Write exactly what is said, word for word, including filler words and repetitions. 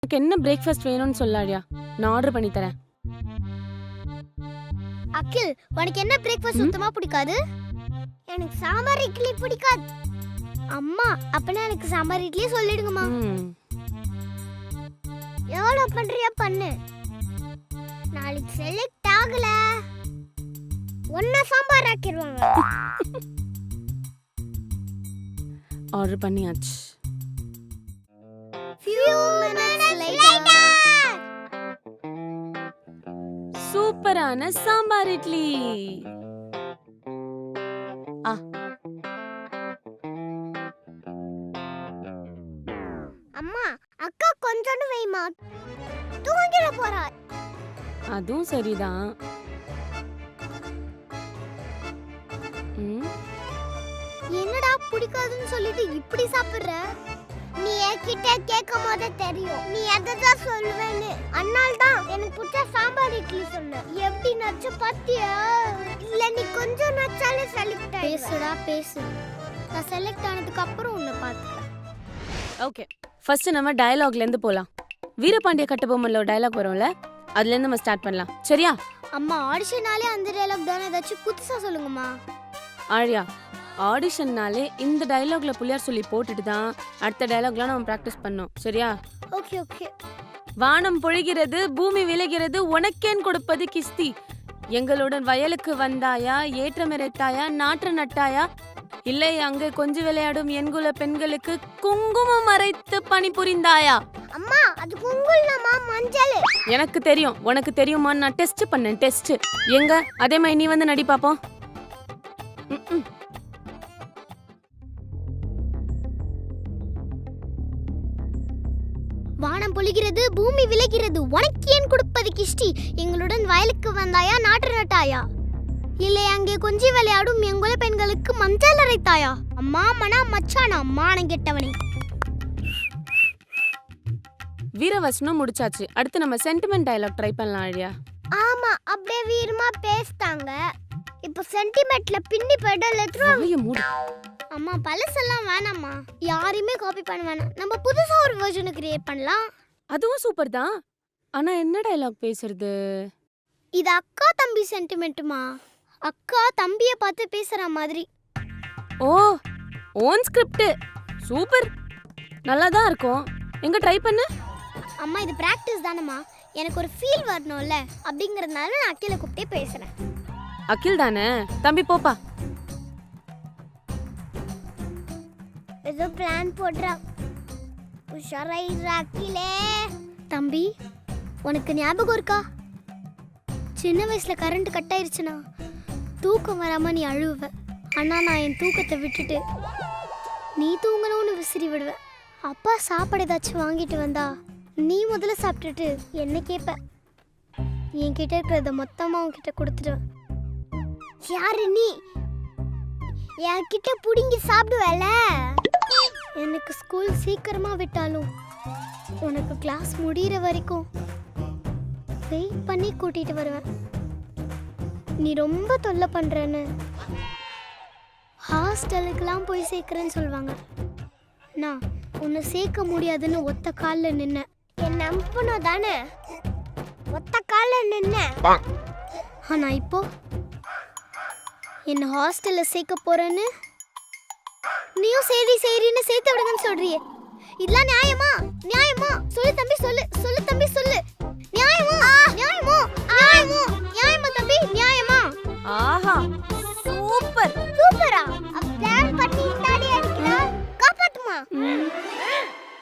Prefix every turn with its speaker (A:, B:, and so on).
A: உனக்கு என்ன பிரேக்ஃபாஸ்ட் வேணும்னு சொல்லாடியா, நான் ஆர்டர் பண்ணி தரேன்.
B: அகில், உனக்கு என்ன பிரேக்ஃபாஸ்ட் சுத்தமா பிடிக்காது? எனக்கு சாம்பார் இட்லி பிடிக்காது. அம்மா, அப்பனா எனக்கு சாம்பார் இட்லி சொல்லிடுங்கம்மா. எவ்வளோ பண்றியா பண்ணு. நாளைக்கு செலக்ட் ஆகல ஒன்னா சாம்பார் ஆக்கிடுவாங்க.
A: ஆர்டர் பண்ணியாச்சு.
B: Few minutes later.
A: சூப்பரான சாம்பார் இட்லி. ஆ
B: அம்மா, அக்கா கொஞ்சோண்டு வைமா, தூங்கிட போறா.
A: அதுவும் சரிதான். ம்,
B: என்னடா பிடிக்காதுன்னு சொல்லிட்டு இப்படி சாப்பிடுற? நீ என்கிட்ட கேட்கும் போதே தெரியும் நீ எதான் சொல்லுவேன்னு. அதனால தான் எனக்கு பிடிச்ச சாம்பார் இட்லி சொன்ன. எப்படி நச்சு பாத்தியா? இல்ல நீ கொஞ்சம் நச்சாலே செலக்ட் ஆயிடுவ. பேசுடா பேசு. நான் செலக்ட் ஆனதுக்கு அப்புறம் உன்னை பார்த்துக்கிறேன்.
A: ஓகே. ஃபர்ஸ்ட் நம்ம டயலாக்ல இருந்து போலாம். வீரபாண்டிய கட்டபொம்மன்ல ஒரு டயலாக் வரும்ல, அதுல இருந்து நம்ம ஸ்டார்ட் பண்ணலாம். சரியா?
B: அம்மா, ஆடிஷனாலே அந்த டயலாக் தானே, ஏதாச்சும் புதுசா சொல்லுங்கம்மா.
A: ஆழியா, ஆடிஷன்னாலே இந்த டயலாக்ல புள்ளியார் சொல்லி போட்டுட்டு தான் அடுத்த டயலாக்லாம் நம்ம ப்ராக்டிஸ் பண்ணோம். சரியா?
B: Okay okay.
A: வானம் பொழிகிறது, பூமி விளைகிறது, உனக்கேன் கொடுப்பது கிஸ்தி. எங்களுடன் வயலுக்கு வந்தாயா, ஏற்றமிரைத்தாயா, நாற்று நட்டாயா, இல்லை அங்கே கொஞ்சம் விளையாடும் என்குல பெண்களுக்கு குங்குமம் மறைத்து பணிபுரிந்தாயா.
B: அம்மா, அது குங்குமமா மஞ்சள்?
A: எனக்கு தெரியும், உனக்கு தெரியுமா? நான் டெஸ்ட் பண்ணேன், டெஸ்ட். எங்க அதே மாதிரி நீ வந்து நடி பாப்போம்.
B: வானம் பொழிகிறது, பூமி விளைகிறது, உனக்கு ஏன் கொடுப்பது கிஷ்டி. எங்களுடன் வயலுக்கு வந்தாயா, நாற்று நட்டாயா, இல்லை அங்கே கொஞ்சி விளையாடும் எங்குல பெண்களுக்கு மஞ்சள் அரைத்தாயா. அம்மா மனா மச்சானா மானம் கெட்டவனே.
A: வீரவசனம் முடிச்சாச்சு. அடுத்து நம்ம சென்டிமெண்ட் டயலாக் ட்ரை பண்ணலாம். ஆழியா,
B: ஆமா, அப்படியே வீரமா பேசிட்டாங்க. இப்போ சென்டிமெண்ட்ல பின்னி பெடல்
A: வாயை மூடு.
B: அம்மா, பழசெல்லாம் வேணாம்மா, யாரையுமே காப்பி பண்ண வேணாம். நம்ம புதுசா ஒரு வெர்ஷனை கிரியேட் பண்ணலாம்.
A: அதுவும் சூப்பர் தான். ஆனா என்ன டயலாக் பேசுறது?
B: இது அக்கா தம்பி சென்டிமெண்ட்டுமா. அக்கா தம்பியை பார்த்து பேசுற மாதிரி.
A: ஓ, ஓன் ஸ்கிரிப்ட். சூப்பர், நல்லா தான் இருக்கும். எங்க ட்ரை பண்ணு.
B: அம்மா, இது பிராக்டிஸ் தானம்மா, எனக்கு ஒரு ஃபீல் வரணும்ல, அப்படிங்கறதுனால நான் அகில கூப்பிட்டே பேசுறேன்.
A: அகில் தானே தம்பி, போப்பா.
B: ஏதோ பிளான் போடுறா. உஷாராயிரா அகிலே. தம்பி, உனக்கு ஞாபகம் இருக்கா, சின்ன வயசுல கரண்ட் கட் ஆயிருச்சுனா தூக்கம் வராம நீ அழுவ. ஆனா நான் என் தூக்கத்தை விட்டுட்டு நீ தூங்கணும்னு விசிறி விடுவேன். அப்பா சாப்பாடு ஏதாச்சும் வாங்கிட்டு வந்தா நீ முதல்ல சாப்பிட்டுட்டு என்ன கேட்ப. என்கிட்ட இருக்கிறத மொத்தமா உன்கிட்ட கொடுத்துடுவேன். யாரு நீ? என்கிட்ட புடிங்கி சாப்பிடுவல. எனக்கு ஸ்கூல் சீக்கிரமா விட்டாலும் உனக்கு கிளாஸ் முடிகிற வரைக்கும் வெயிட் பண்ணி கூட்டிட்டு வருவேன். நீ ரொம்ப தொல்லை பண்றேன்னு ஹாஸ்டலுக்குலாம் போய் சேர்க்கிறேன்னு சொல்லுவாங்க. நான் உன்னை சேர்க்க முடியாதுன்னு ஒத்த காலில் நின்ன. என் நம்பணும் தானே, ஒத்த காலில் நின்ன. ஆனா இப்போ என்ன ஹாஸ்டல்ல சேர்க்க போறேன்னு நீயும் சரி சரின்னு சேர்த்து விடுங்கன்னு சொல்றியே. இதெல்லாம் நியாயமா? நியாயமா சொல்லு தம்பி சொல்லு.